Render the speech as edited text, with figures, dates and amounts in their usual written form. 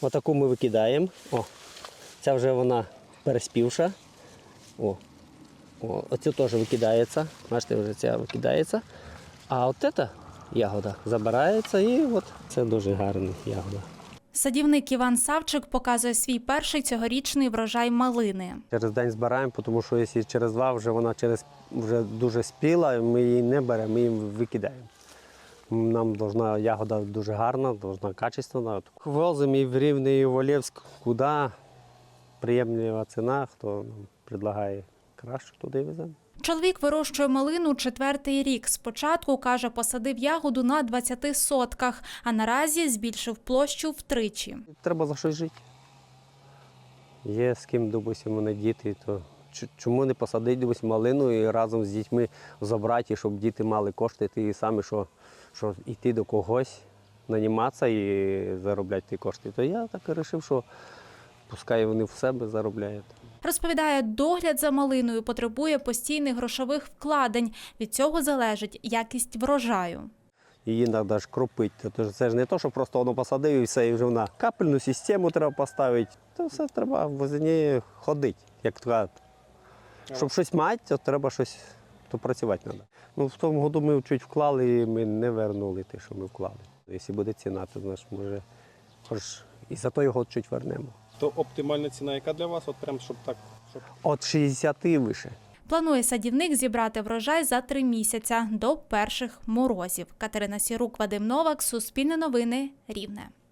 Отаку ми викидаємо. О, ця вже вона переспівша. Оцю теж викидається. Бачите, вже ця викидається. А от ця ягода забирається і от це дуже гарна ягода. Садівник Іван Савчик показує свій перший цьогорічний врожай малини. Через день збираємо, тому що якщо через два вже вона вже дуже спіла, ми її не беремо, ми її викидаємо. Нам должна ягода дуже гарна, должна качественна. Возимо і в Рівне, і в Олєвськ, куди приємна ціна, хто нам предлагає краще, туди веземо. Чоловік вирощує малину 4-й рік. Спочатку, каже, посадив ягоду на 20 сотках, а наразі збільшив площу втричі. Треба за щось жити. Є з ким, допустимо, мене діти, то чому не посадити, допустимо, малину і разом з дітьми забрати, щоб діти мали кошти, ті самі, що йти до когось, наніматися і заробляти ті кошти. То я так і вирішив, що пускай вони в себе заробляють. Розповідає, догляд за малиною потребує постійних грошових вкладень. Від цього залежить якість врожаю. Її треба ж кропити. Це ж не те, що просто воно посадив і все, і вже вона капельну систему треба поставити. То все треба возле неї ходити, як кажуть. Щоб щось мати, то треба щось, то працювати треба. Ну, в тому году ми чуть вклали, і ми не вернули те, що ми вклали. Якщо буде ціна, то знаєш, може, і за той год чуть вернемо. То оптимальна ціна яка для вас? От прям, щоб так, От 60 і вище. Планує садівник зібрати врожай за 3 місяці до перших морозів. Катерина Сірук, Вадим Новак, Суспільне новини, Рівне.